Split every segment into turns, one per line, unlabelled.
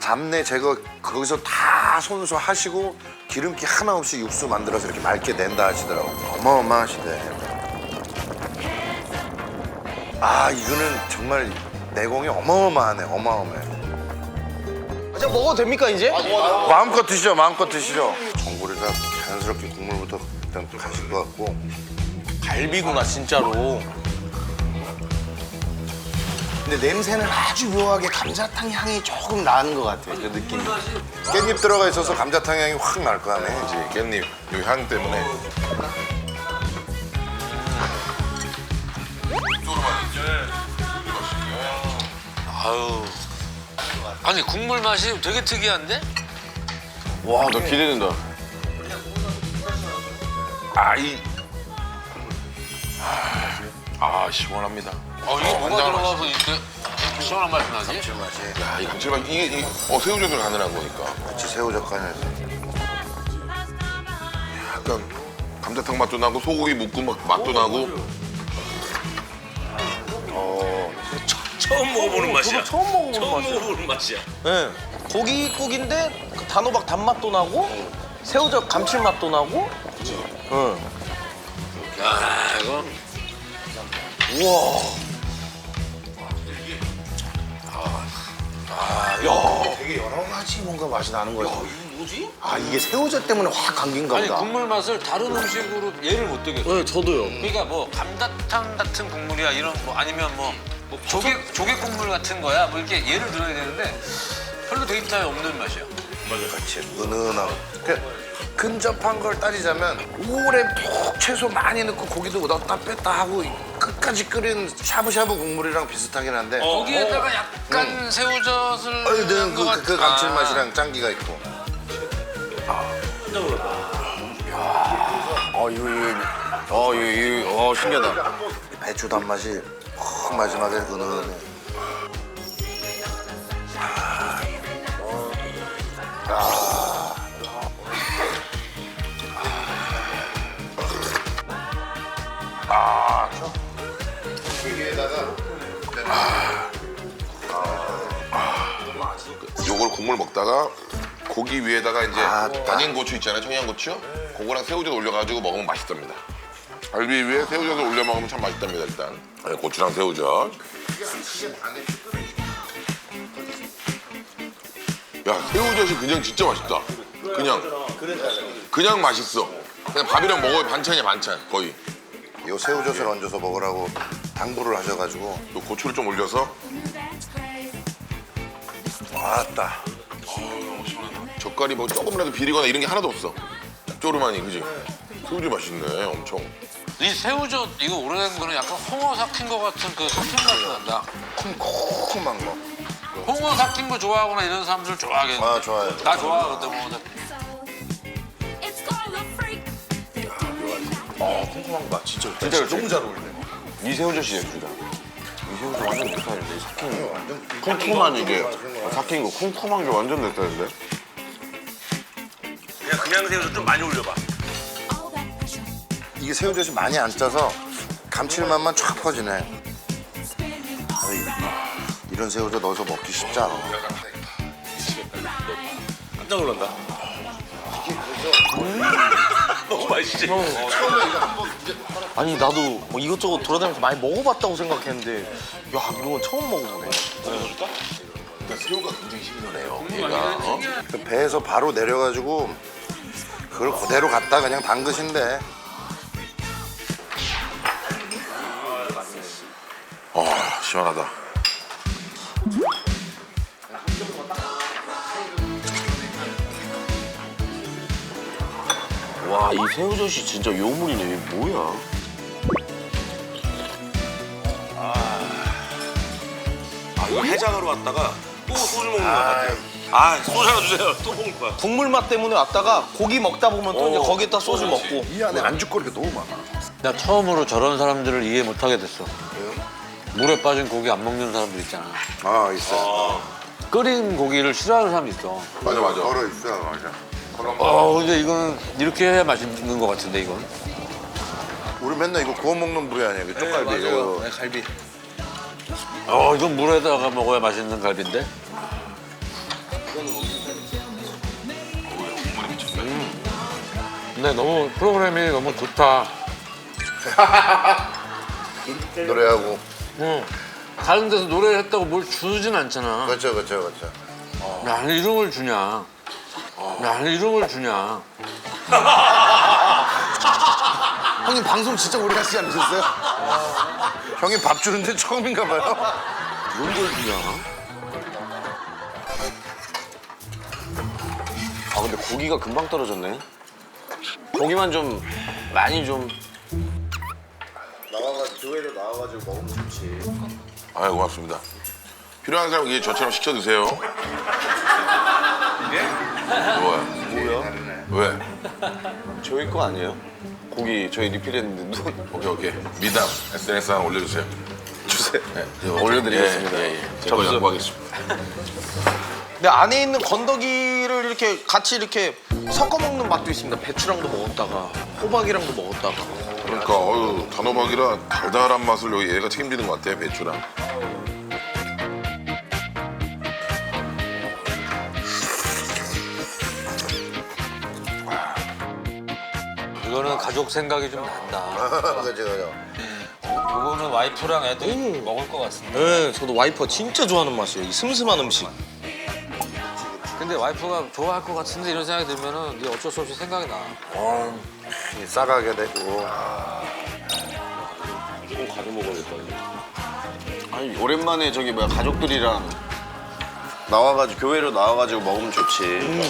잡내 제거 거기서 다 손수 하시고 기름기 하나 없이 육수 만들어서 이렇게 맑게 낸다 하시더라고. 어마어마하시대. 아 이거는 정말 내공이 어마어마하네. 어마어마해.
자 먹어도 됩니까 이제?
마음껏 드시죠. 마음껏 드시죠. 전골에다 자연스럽게 국물부터 일단 가실 것 같고.
갈비구나 진짜로. 근데 냄새는 아주 묘하게 감자탕 향이 조금 나는 것 같아. 그 느낌이.
깻잎 들어가 있어서 감자탕 향이 확 날 거 아네.
그치, 깻잎 이 향 때문에.
아유. 아니 국물 맛이 되게 특이한데?
와, 나 기대된다. 시원합니다.
이게 뭐가 들어가서 이렇게 시원한 맛이 나지?
야, 이 감칠맛 이게 새우젓을 가능한 거니까.
그치 새우젓 간에서.
약간 감자탕 맛도 나고 소고기 묵은 맛도 나고.
처음 먹어보는 맛이야.
저도 처음 먹어보는 맛이야.
먹어보는 맛이야.
네. 고기국인데 그 단호박 단맛도 나고 새우젓 감칠맛도 나고. 응.
야 이거.
우와.
되게 여러 가지 뭔가 맛이 나는 거야.
뭐지?
아 이게 새우젓 때문에 확 감긴가
아니
보다.
국물 맛을 다른 음식으로 예를 못 들겠어.
네, 저도요.
그러니까 뭐 감자탕 같은 국물이야 이런 뭐 아니면 뭐 조개 국물 같은 거야 뭐 이렇게 예를 들어야 되는데 별로 데이터에 없는 맛이야.
그렇지 은은하고. 근접한 걸 따지자면 오래 푹 채소 많이 넣고 고기도 넣었다 뺐다 하고 끝까지 끓인 샤브샤브 국물이랑 비슷하긴 한데
거기에다가 약간 새우젓을
넣은
것 같아.
그 감칠맛이랑 짠기가 있고.
이거 신기하다.
배추 단맛이 확 마지막에 은은해.
요걸 국물 먹다가 고기 위에다가 이제
아따.
다진 고추 있잖아요, 청양고추. 그거랑 새우젓 올려가지고 먹으면 맛있답니다. 갈비 위에 새우젓을 올려 먹으면 참 맛있답니다, 일단. 네, 고추랑 새우젓. 야, 새우젓이 그냥 진짜 맛있다. 그냥 맛있어. 그냥 밥이랑 먹어야 반찬이야, 반찬, 거의.
요 새우젓을 얹어서 먹으라고 당부를 하셔가지고.
또 고추를 좀 올려서
왔다.
젓갈이 뭐 조금이라도 비리거나 이런 게 하나도 없어. 쪼르마니, 그지? 새우젓 맛있네, 엄청.
이 새우젓 이거 오래된 거는 약간 홍어 삭힌 거 같은 그 삭힌 맛이 난다.
콩콩한 거.
홍어 삭힌 거 좋아하거나 이런 사람들 좋아하겠네.
아 좋아요.
나 좋아하거든 홍어 삭힌.
콩콩한 맛 진짜
너무 잘
어울리네.
이 새우젓이 예술이다. 이 새우젓 완전 내 스타일인데, 삭힌 거. 쿰쿰한 이게 삭힌 거 쿰쿰한 게 완전 내 스타일인데?
그냥 새우젓 좀 많이 올려봐.
이게 새우젓이 많이 안 짜서 감칠맛만 쫙 퍼지네. 아이, 이런 새우젓 넣어서 먹기 쉽지 않아.
깜짝 놀란다. 너무 맛있지?
아니 나도 뭐 이것저것 돌아다니면서 많이 먹어봤다고 생각했는데 야 이런 건 처음 먹어보네.
새우가 굉장히 신선해요. 얘가,
그 배에서 바로 내려가지고 그걸 그대로 갖다 그냥 담그신대.
시원하다.
와 이 새우젓이 진짜 요물이네. 이게 뭐야?
이거 해장하러 왔다가 또 소주 먹는 거 같아. 소주 하나 주세요. 또 먹을 거야.
국물 맛 때문에 왔다가 고기 먹다 보면 또 이제 거기에다 소주 먹고.
이 안에 안주거리가 너무 많아.
나 처음으로 저런 사람들을 이해 못 하게 됐어. 물에 빠진 고기 안 먹는 사람들 있잖아.
아 있어.
끓인 고기를 싫어하는 사람이 있어.
맞아, 맞아.
걸어 있어 맞아.
근데 이건 이렇게 해야 맛있는 것 같은데 이건.
우리 맨날 이거 구워 먹는 부위 아니야? 그 쪽갈비. 이거.
갈비.
이건 물에다가 먹어야 맛있는 갈비인데. 근데 너무 프로그램이 너무 좋다.
노래하고.
응. 다른 데서 노래를 했다고 뭘 주진 않잖아.
그렇죠, 그렇죠, 그렇죠.
나는 이런 걸 주냐. 나는 이런 걸 주냐.
형님 방송 진짜 오래 하시지 않으셨어요? 형님 밥 주는데 처음인가 봐요.
이런 걸 주냐? 아 근데 고기가 금방 떨어졌네. 고기만 좀 많이 좀 교회로 나와가지고 먹으면 좋지.
아유 고맙습니다. 필요한 사람 이게 저처럼 시켜 드세요. 뭐야? 왜?
저희 거 아니에요? 고기 저희 리필했는데 누군
오케이. 미담 SNS 하나 올려주세요.
주세요.
네.
올려드리겠습니다.
제거 양보하겠습니다.
근데 안에 있는 건더기를 이렇게 같이 이렇게 섞어 먹는 맛도 있습니다. 배추랑도 먹었다가 호박이랑도 먹었다가.
그러니까 단호박이라 달달한 맛을 여기 얘가 책임지는 것 같아 배추랑.
이거는 가족 생각이 좀 난다.
그렇죠, 그렇죠.
이거는 와이프랑 애들이 먹을 것 같습니다.
네, 저도 와이퍼 진짜 좋아하는 맛이에요. 이 슴슴한 음식.
근데 와이프가 좋아할 것 같은데 이런 생각이 들면은 이게 어쩔 수 없이 생각이 나.
싸가게 되고.
꼭 가져 먹어야겠다. 아니 오랜만에 저기 뭐야 가족들이랑 나와가지고 교회로 나와가지고 먹으면 좋지.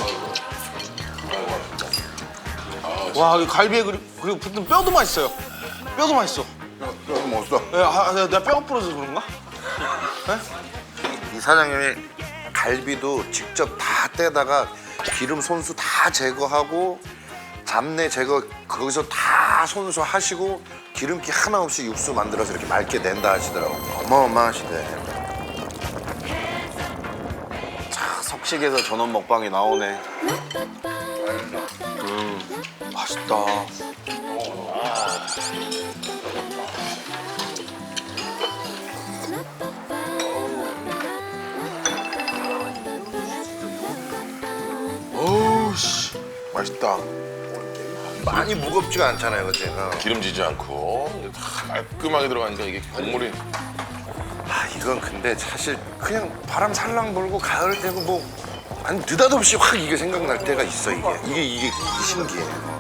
와, 이 갈비에 그리고 붙은 뼈도 맛있어요. 뼈도 맛있어.
여기 먹었어.
내가 뼈가 부러져서 그런가?
이 사장님이 갈비도 직접 다 떼다가 기름 손수 다 제거하고 잡내 제거 거기서 다 손수 하시고 기름기 하나 없이 육수 만들어서 이렇게 맑게 낸다 하시더라고요. 어마어마하시대.
자, 석식에서 전원 먹방이 나오네. 맛있다.
어우 씨 맛있다.
많이 무겁지가 않잖아요, 그치?
기름지지 않고 다 깔끔하게 들어가니까 이게 국물이
이건 근데 사실 그냥 바람 살랑 불고 가을 되고 뭐 아니 느닷없이 확 이게 생각날 때가 있어 이게 신기해.